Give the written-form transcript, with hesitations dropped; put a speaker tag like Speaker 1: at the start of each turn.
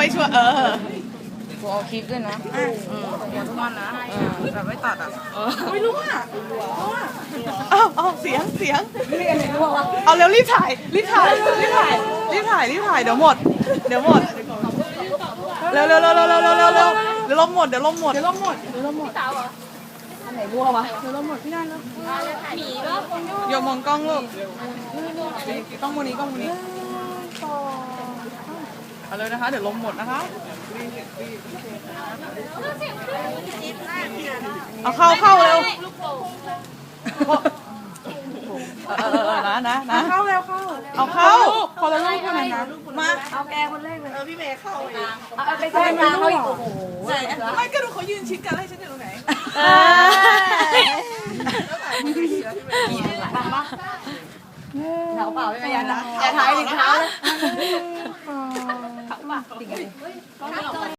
Speaker 1: ไม่ช่วย
Speaker 2: กูเอาคลิปด้วยนะหัวทุกวันนะแบบไม่ตัดอ่ะ
Speaker 1: ไม่รู้อ่ะเอาเสียงเอาเร็วรีบถ่ายเดี๋ยวหมดเดี๋ยวลมหมด
Speaker 2: อันไหนบัววะ
Speaker 1: โยมมองกล้องลูกกล้องมูนี้เอาเลยนะคะเดี๋ยวลมหมดนะคะเอาเข้าเร็วนะเข้าเร็วเอาเข้าคนละลูกเท่านั้นนะมา
Speaker 2: เอาแกคนแรกเลย
Speaker 1: พี่เมย์เข้าเอง
Speaker 2: เอาไปกลางเขาอีกโอ้โห
Speaker 1: ไม่ก็ดูเขายืนชิดกันให้ฉันอยู่ตรงไหน
Speaker 2: เปล่าไม่ยันนะอย่าถ่ายถึงเท้าเลย